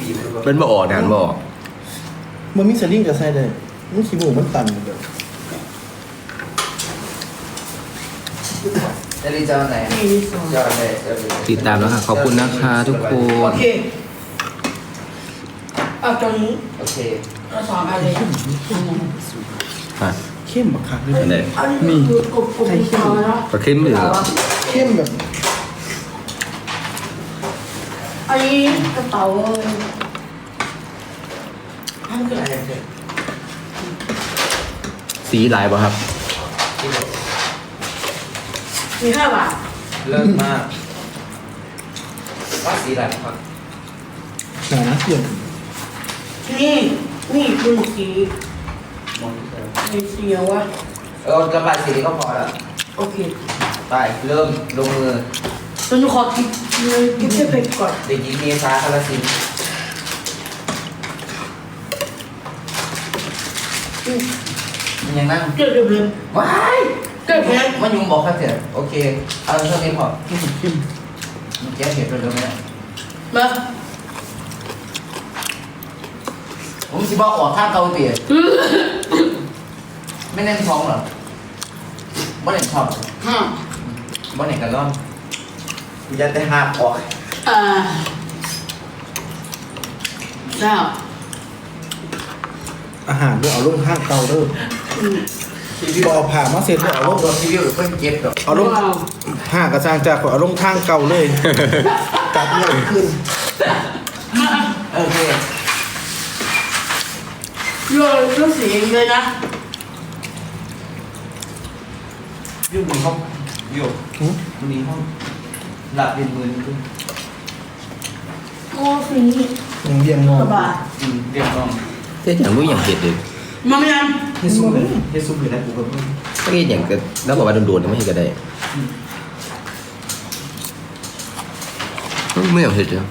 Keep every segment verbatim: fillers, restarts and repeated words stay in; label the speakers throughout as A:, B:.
A: เป็นบ่ออกนานบ่ออก
B: มันมีสลิงกับไส้ได้มันขี้หมูมันตันหมดเลย
C: จะรีจะไหนจะไหนจะไหน
A: ติดตามแล้วค่ะขอบคุณนะคะทุกค
D: โอน เคเอาตรงนี้
C: โอเค
D: เราสอนอะไร
A: อ่ะ
B: เข้มบักคักเลย
A: อันไหน
D: อันนี้คือกบกบที่เขาแล้ว
A: ปลาเค็มเหลือ
B: เข้มแบบ
D: อันนี้กระเป๋าเลยอันคืออะไรเนี่ย
A: สีลายป่ะครับ
D: มีห้าบาท
C: เลิศมากว่าสีอะไรครับ
B: หนาเปลี่ยน
D: นี่นี่คือสี
C: มองเจอ
D: สีเขียวอะ
C: เออกระบายสีนี้ก็พอแล้ว
D: โอเค
C: ไปเริ่มลงมือ
D: ตอนนี้ขอกินเลยกินเส้นเป็ดก่อน
C: เด็กหญิงเมษาคาราสิน
D: อืม
C: มันยังนั่ง
D: เกิดเดือดเลย
C: ว้าย
D: เกิดแพ้
C: มันยุงบอกครับเถอะโอเคเอาเท่านี้พอ
B: เข้มเข้ม
C: มันแก้เผ็ดเร็วๆไหม
D: มา
C: ผมสิบอกออกข้างเกาเตี๋ยไม่แน่นท้องเหรอบ่เน่นชอบ
D: ห้า
C: บ่เน่นกันร่อนกูจะได้หักออก
D: อ่าเก้า
B: อาหารด้วยเอาลงข้างเตาเด้อ
D: อืม
B: บอผ่ามาเสร็จแล้ว
C: เอา
B: เอาลง
C: รถที่วิวเพิ่งเก็บดอก
B: เอาลงห่ากระซางจากเอาลงทางเก่าเลยจับเงี้ยขึ้น
C: โอเค
D: โยนก็สีเองเลยนะ
C: วิวมีห้องวิวมันมีห้องหลับเป็นหมื่นขึ้น
D: โอ้สีนี้
B: ยังเรียงงอ
D: สบาย
C: อืมเรียบร้อย
A: เจ๊อย่างรู้อย่างเห็ดเลย
D: มาไม่ยัง
B: เฮซุเลย
C: เฮซุปอยู่แล้วกูก็เพิ่ง
A: ถ้าเห็ดอย่างก็แล้วบอกว่าโดนๆไม่เห็นก็ได้ไม่อยากเห็ดเลย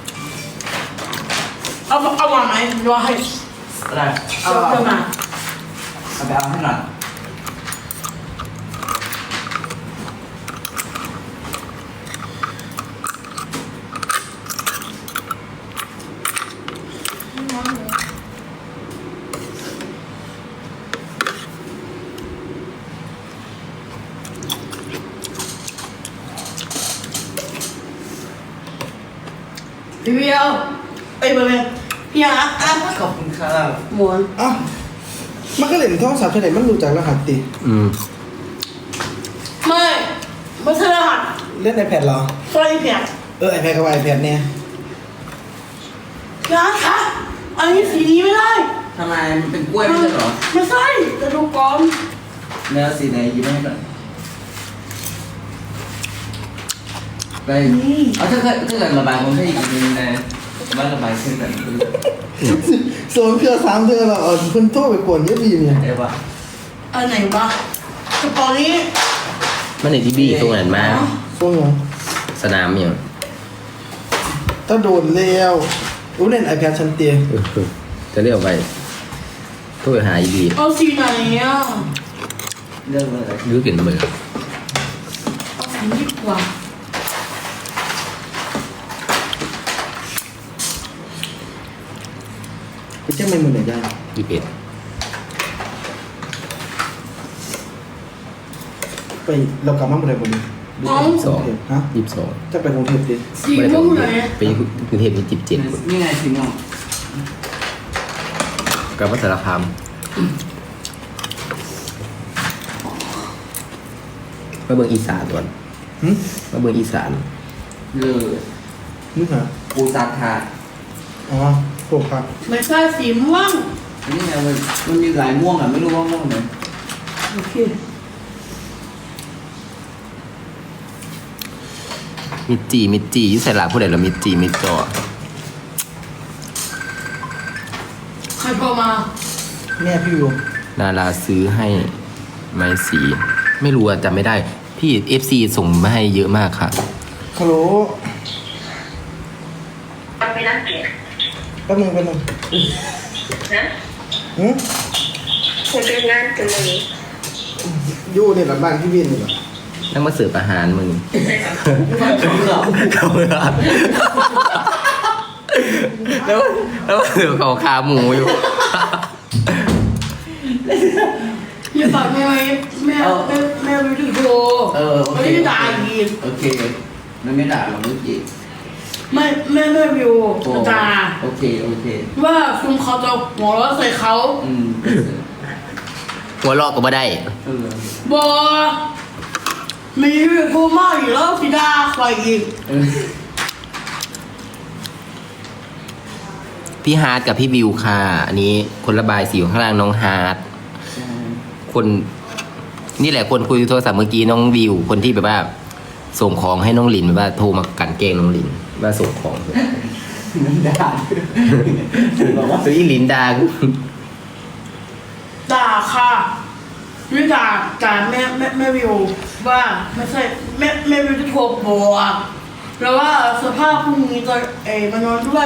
D: เอาเอาวางไหมรอให้
C: อะไร
D: เอาเพิ่มมา
C: เอาไปเอาให้หน่อย
D: พี่เบียวเอ้ยเบอร์เบอร์พี่อาร์อ่ะ
C: ขอบคุณครับ
D: หมวน
B: อ้าวมันก็เล่นโทรศัพท์เฉยๆมันรู้จักรหัสติ
A: อืม
D: ไม่ไม่ใช่รหัส
B: เล่น iPad เหรอ
D: สร้อยแผล
B: เออ iPad กับ iPad เนี่ย
D: พี่อาร์คะอันนี้สีนี้ไม่ได้
C: ทำไมมันเป็นกล้วยไม่ใช่เหรอ
D: ไม่ใช่จะดูก่อน
C: เนื้อสีไหนยิ้มให้หน่อยไปเอาถ้าเกิดถ้าเกิดระบายผมให้อีกนิดนึงนะว่าระบายขึ้นแบบนี้
B: โซนเทือสามเทือเราเอาเพิ่นโทรไปกวนเยอะบีเนี่ย
C: ได้ปะ
D: อันไหนวะกระเป๋านี้
A: มันในที่บี้ตรงนั้นมา
B: ช่วงยัง
A: สนามอย่าง
B: ถ้าโดนแล้วรู้เล่น iPad ชั้นเตียง
A: เออจะเรียกไปโทษหาอีดี
D: เอาสีไหนอ่ะ
C: เรื่องอะไร
A: ยื้อกินมือ
D: เอาสีนี้ดีกว่า
B: ไปเจ้าไม่มือไหนได้
A: ยี่สิบเอ็ด
B: ไปเรากลับมาเมื่อไหร่บ่นี้
D: เอา
A: สอง
B: ฮะ
A: ยี่สิบสอง
B: จะไปกรุงเทพดิ
D: สีม่วงไหน
A: ไปกรุงเทพยี่สิบเจ็ด
C: นี่ไงสีม่วง
A: กับวัฒนธรรมมาเบิ่งอีสานก่อน
B: หึ
A: มาเบิ่งอีสาน
C: เลย
B: นึกหา
C: ปูซาทา
B: อ๋อโปรครับ
D: ไม่ใช่สีม่วง
C: นี่ไงมันมันมีหลายม่วงอ่ะไม่รู้ว่าม่วงไหน
D: โอเค
A: มิดจีมิดจีอยี่ใส่หลาผู้ใดเหรอมิดจีมิดจอ
D: ใครพอมา
B: แม่พี่วิว
A: นาราซื้อให้ไม้สี ไม่รู้อะจำไม่ได้ พี่ เอฟ ซี ส่งมาให้เยอะมากค่ะ
B: ฮัลโหล
E: มันไม่น่าเกลียด
B: แป๊บนึงแป๊บนึง
E: นะ
B: หืม
E: คุณเป็นงานกันเลย
B: อยู่เนี่ยหลังบ้านพี่วินนี่เหรอ
A: นั่งมาเสิร์ฟอาหารมึง
E: ใช่ครับ
A: เขาเลยแล้วแล้วถือเขาขาหมูอยู่
D: อย่าบอกแม่แม่แม่แม่ไม่ถึงโทร
C: เออโอ
D: ไม่
C: เค
D: ได้ด่าอีก
C: โอเคมันไม่ด่าหรอกเมื่อกี้
D: ไม่แม่แม่วิว
C: โอ้
D: ด่า
C: โอเคโอเค
D: ว่าคุณเขาจะหัวเราะใส่เขา
C: อืม
A: หัวเราะก็ไม่ได้
C: เออ
D: บอกมีโทรมาอีกแล้วสิด่าใครอีก
C: เออ
A: พี่ฮาร์ดกับพี่วิวค่ะ อันนี้คนระบายสีอยู่ข้างล่างน้องฮาร์ด
C: ใช่
A: คนนี่แหละคนคุยโทรศัพท์เมื่อกี้น้องวิว คนที่แบบว่า ส่งของให้น้องหลินแบบว่าโทรมากลันแกล้งน้องหลินว่าส่งของ
C: มันด่าบอกว่า
A: ซื้ออีหลินดา
D: ด่าค่ะไม่ด่าด่าแม่แม่แม่วิวว่าไม่ใช่แม่แม่วิวจะโทรบอกแล้วว่าสภาพพรุ่งนี้จะเอ๋มานอนด้วย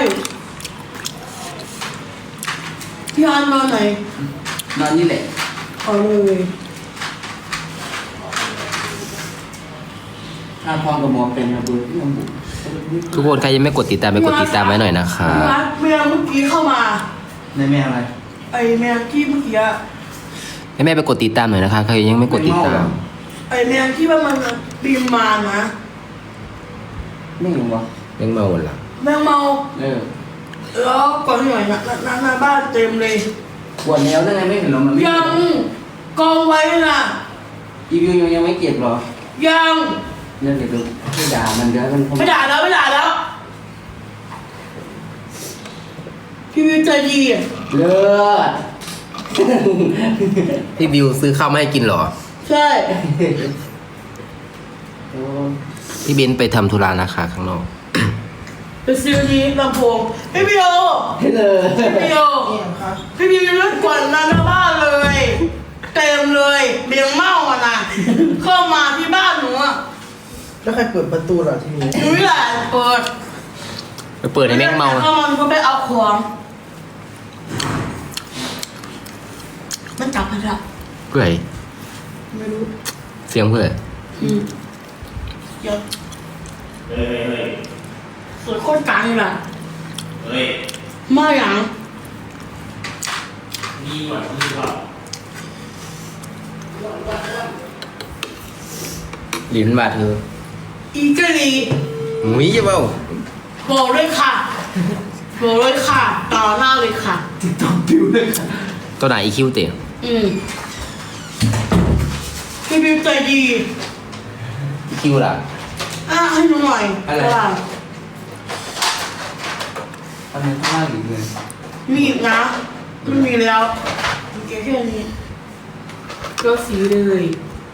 D: พี่อันนอนไหน
C: นอนนี่แหละ
D: เอาเลย
C: ถ้าพร้อมกับหมอเป็นระเบิดที่ลำบุ
A: ทุกคนใครยังไม่กดติดตามไปกดติดตามไว้หน่อยนะคะ
D: พี่อันแม่เมื่อกี้เข้ามา
C: ในแม่อะไร
D: ไอ้แม่ที่เมื่อกี้อะ
A: ให้แม่ไปกดติดตามหน่อยนะคะใครยังไม่กดติดตาม
D: ไอ้แม่ที่ว่ามันบินมานะ
C: ไม่รู้วะ
A: ยังเมาหมดละ
D: แมงเมา
C: เออ
D: แล้วก่อนหน่อยนะหน้าหน้าบ้านเต็มเลย
C: ปวดแล้วได้ไงไม่เห็นหรอมันไม่
D: ยังกองไว้น่ะ
C: อีวิวยังยังไม่เก็บหรอ
D: ยัง
C: เรื่องเดี๋ยวดูไม่ด่ามันเดี๋ยวมัน
D: ไม่ด่าแล้วไม่ด่าแล้วพี่วิวใจดีอะ
C: เลิศ
A: พี่วิวซื้อข้าวมาให้กินเหรอ
D: ใช่
C: โอ้
A: พี่เบนไปทำธุระนะคะข้างนอก
D: ไปซื้อนี้ลำโพงพี่วิว
C: เลย
D: พี่วิวพี่วิวยังเลือกกวนหน้าบ้านเลย เต็มเลยเบียงเมาอ่ะนะเข้ามาที่บ้านหนูอ่ะ
B: แล้วใครเปิดประตูล่ะทีนี้
D: หนูนี่แหละเปิด
A: ไปเปิดให้แม่งเมา
D: เข้ามันก็ไปเอาของมันจับมันละ
A: เพื่อ
D: ไม่รู้
A: เสียงเพื่อ
D: อืมเดี๋ยวสวยโคตรกลางเลยล่ะ
F: เฮ้ย
D: มาอย่าง
F: มีหวัดมีหวัด
A: ลิ้นบาดเธอ
D: อีกะลี
A: หมุ้ยจะเปล่า
D: บอกเลยค่ะบอกเลยค่ะ ต่อหน้าเลยค่ะ
C: ติ๊กต็อกปิวเลยค่ะ
A: ตัวไหนอีคิวเตะ
D: อืมพี่บิวใจดี
A: อีคิวล่ะ
D: อ่ะให้หนูหน่อยว่า
C: อันนี้ข้างล่างอีกเลย
D: มีอีกนะไม่มีแล้วมีแค่แค่นี้ก็สีเลย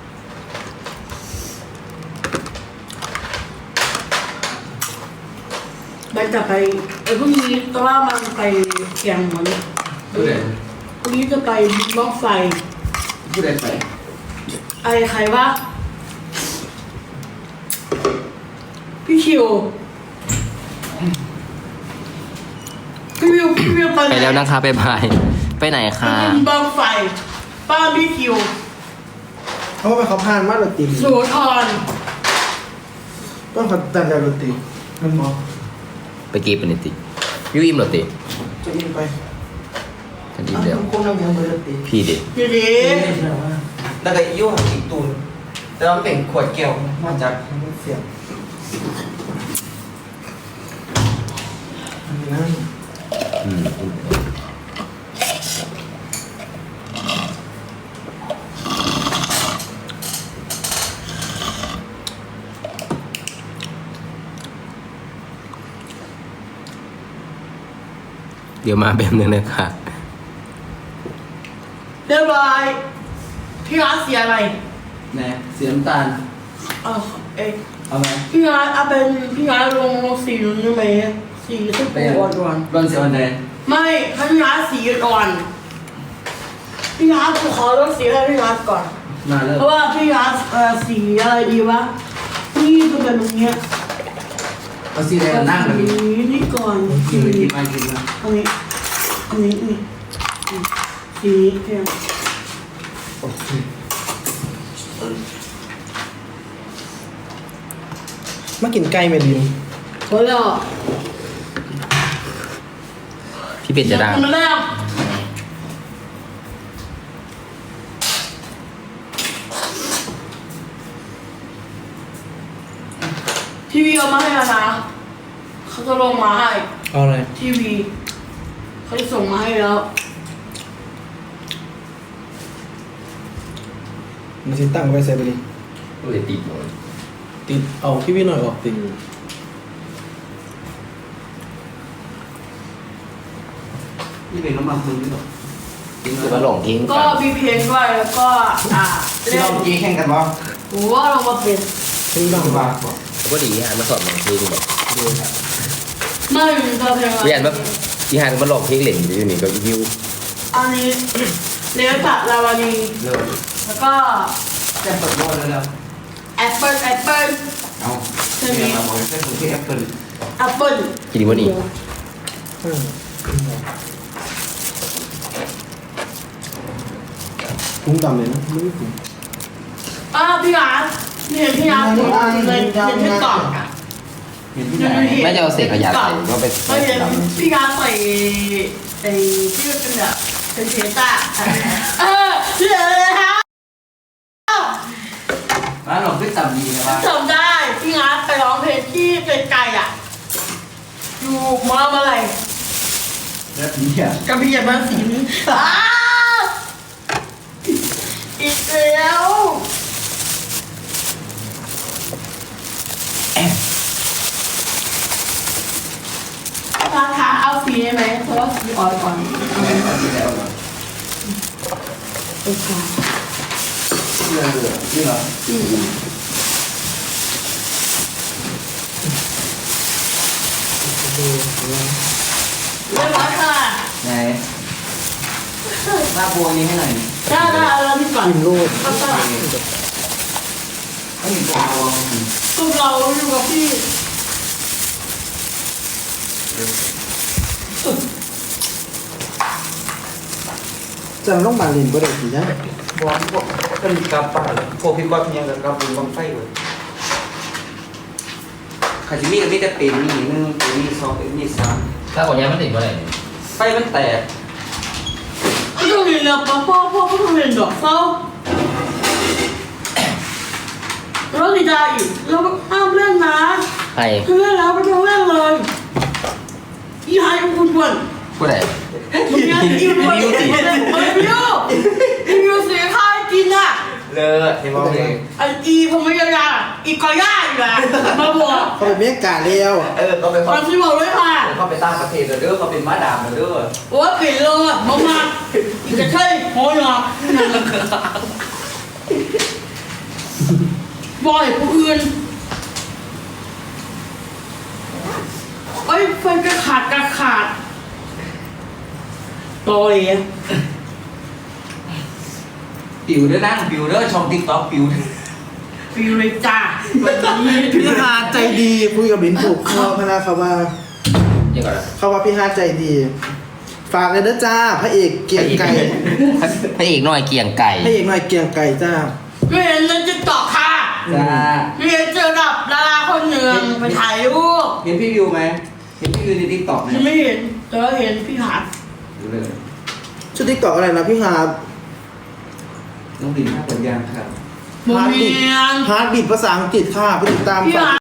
D: ไปจะไปไอ้พรุ่งนี้แต่ว่ามันไปเชียงเหมือน
C: ผู้ใด
D: พรุ่งนี้จะไปบ้องไฟ
C: ผู้ใดไป
D: ไอ้ใครวะพี่คิวพี่วิวพี่วิวไปไหน
A: ไปแล้วนะคะไปบายไปไหน
D: ไป
A: คะ
D: กินบ้องไฟป้าพี่คิว
B: เขาไปเขาพานมาดนตรี
D: โสธร
B: ต้องขัดแต่ดนตรีมันมอง
A: ไปกีบเป็นติยูอิมเหรอติ
B: จะยินไป
A: ฉันอิมเดียว
B: คงนั่งยังดนตรี
A: พี่ดิ
D: ดีดี
C: แล้วก็ยุ่งอีกตูนแต่เราเป็นขวดแก้วมาจาก
B: เสียงอันนี้นั่น
A: อืมเดี๋ยวมาแบบนึงนะคะ
D: เรียบร้อยพี่ร้านเสียอะไร
C: แหน่เสียน้ำตาล
D: เออเอ้ย
C: เอาไหม
D: พี่ร้านเอาเป็นพี่ร้านลงสีนู้นได้ไหมสีสุด
C: เป็น
D: อ่อนอ่อน
C: บอลเสียวันไหน
D: ไม่ให้พี่ร้านสีอ่อนพี่ร้านขอต้องสีให้พี่ร้านก่อน
C: มาเลย
D: เพราะว่าพี่ร้านเอ่อสีอะไรดีวะนี่จะเป็นตรงเนี้ย
C: เอาสีแดงนั่งแบบ
D: สี
C: นี้
D: นี่ก่อน
C: กิ
D: สี
C: นเลยกินมากินมา
D: อันนี้อันนี้นี่สีเพียง
C: โอเค
B: มากินไก่เมลิน
D: พอแล้ว
A: พี่เป็ดจะดัง
D: มาแล้วทีวีเอามาให้แล้วนะเขาจะลงมาให้
B: เอาอะไร
D: ทีวีเขาจะส่งมาให้แล้ว
B: มันสิตั้งไว้ใส่ไปดิ
A: ก็เลยติดหมด
B: ติดเอาพี่พี่หน่อยออกติด
C: นี่เป็นน้ำมันมือหรอ
A: คือว่าหลงทิ้ง
D: ก็มีเพลงด้วยแล้วก็อ่า
C: ที่
D: เล่
C: เรา
D: น
C: เมื่อกี้แข่งกันวะ
D: หัวเรามาเป็น
B: ทิ้งบ้าง
C: ว่า
A: ก็ดีฮะมาสอนหลงทิ้งแบบ
C: ดูครับ
D: ไม่มีตัวเพลงอะไร
A: เรียนว่าพี่ฮานมาหลงทิ้งเหล่งอยู่นี่ก็ยิว
D: อันนี้เลี้ยวจากลาวานี
C: เลิก
D: แล้วก็
C: จะเปิดโลกแล้วแล้ว
D: แอปเปิลแอปเปิล
C: เอาเนี่ยมาบอกให้ผมที่แอปเปิล
D: แอปเปิล
A: กินดีกว่านี่
B: อืมถุงดำเลยนะไม่ได้ถุง
D: อ่าพี่อาร์ตนี่เห็นพี่อาร์ตอยู่ในในที่กล่องอ่ะ
C: เห็นที่ไหน
A: ไม่จะเอาเศษขยะใส่ก็ไป
D: ไม่เห็นพี่อาร์ตใส่ไอ้ที่มันเป็นแบบเป็นเทต้าเออเชื่อเลยฮะ
C: ร้านหลงขึ้นต่ำดีนะว่า
D: จำได้พี่อาร์ตไปร้องเพลงที่ไกลๆอ่ะอยู่มออะไร
C: แล้วนี่อ่ะ
D: กระเบียดมันสินอ้าวอีกแล้วราคาเอาฟรีได้ไหมเพราะว่าฟรีออยก่อน
C: เอาดีแล้วเหรอ
D: โอ้โห
C: เลิกเลยนี่เหรอ
D: อืมเรียบร้อยค่ะ
C: ไหนมาโบนี้ให้หน่อย
D: ได้ได้เอาเราที่ก่อน
B: กินโลด
D: ก็ต้อง
C: ไม่มีตัวรวม
D: ตัวเราอยู่กับพี่
B: จะต้องมาเรียนก็ได้สินะ
C: บอลพวกเป็นกับป่าพวกพี่บอลยังกับกับบุญบังไฟเลยขาจิมีกับมีแต่เป็นมีหนึ่งเป็นมีสองเป็นมีสาม
A: ถ้าคนนี้มันติดเมื่อไหร่
C: ไฟมันแตก
D: ไม่ต้องเรียนแล้วป้าพ่อพ่อก็ต้องเรียนดอกเศร้าแล้วดีใจอีกแล้วห้ามเล่นนะ
A: ใคร
D: ถ้าเล่นแล้วไม่ต้องเล่นเลยอีไฮคุณควร
A: ผู้ใด
D: มึงยังอีควรเล่นเล่นเฮ้ยพี่โย่อีวิวเสียค่าให้กินอ่ะ
C: เลิศเห็นบอกเลย
D: ไออีผมไม่ยากอ่ะอีกอย่าอีกอ่ะมาบอก
B: เขาไปเมกาเลี้ยว
C: เออเขาไป
D: ตอนที่บอกด้วยค่ะ
C: เขาไปตั้งประเทศเด้อเขาเป็นม้าดามเด้อ
D: โอ้ยปิดเลยมามาอีกจะใช่โหยหรอบ่อยผู้อื่นไอ้ไฟกระขาดกระขาดโตเลย
C: ปิวเด้อนั่งปิวเด้อชมติ๊กต็อกปิว
D: ฟิวเลยจ้าวันนี้
B: พี่ฮาร์ดใจดีคุยกับลิ้นถูกคอพนาเขาว่า
A: ยังก่อนนะ
B: เขาว่าพี่ฮาร์ดใจดี ฝากเลยนะจ้าพระเอกเกียงไก่
A: พระเอกน้อยเกียงไก่
B: พระเอกหน่อยเกียงไก่จ้า
D: ไม่เห็นเลยจะต่อค่ะ
C: จ้า
D: ไม่เห็นเจอกับดาราคนหนึ่งไปถ่ายรูป
C: เห็นพี่วิวไหมเห็นพี่วิวในติ๊กต็อกไหม
D: ยังไม่เห็นแต่ว่าเห็นพี่หาด
C: เลย
B: ชุดติ๊กต็อกอะไรนะพี่ฮาร์ด
C: น้องดินท่าเปิดยางครับ
D: โม
B: ฮาร์ด
D: เม
B: บิด
D: น
B: ฮาร์ดบิดภาษาอังกฤษค่ะไปติดตาม
D: พี่
B: ฝาก
D: หา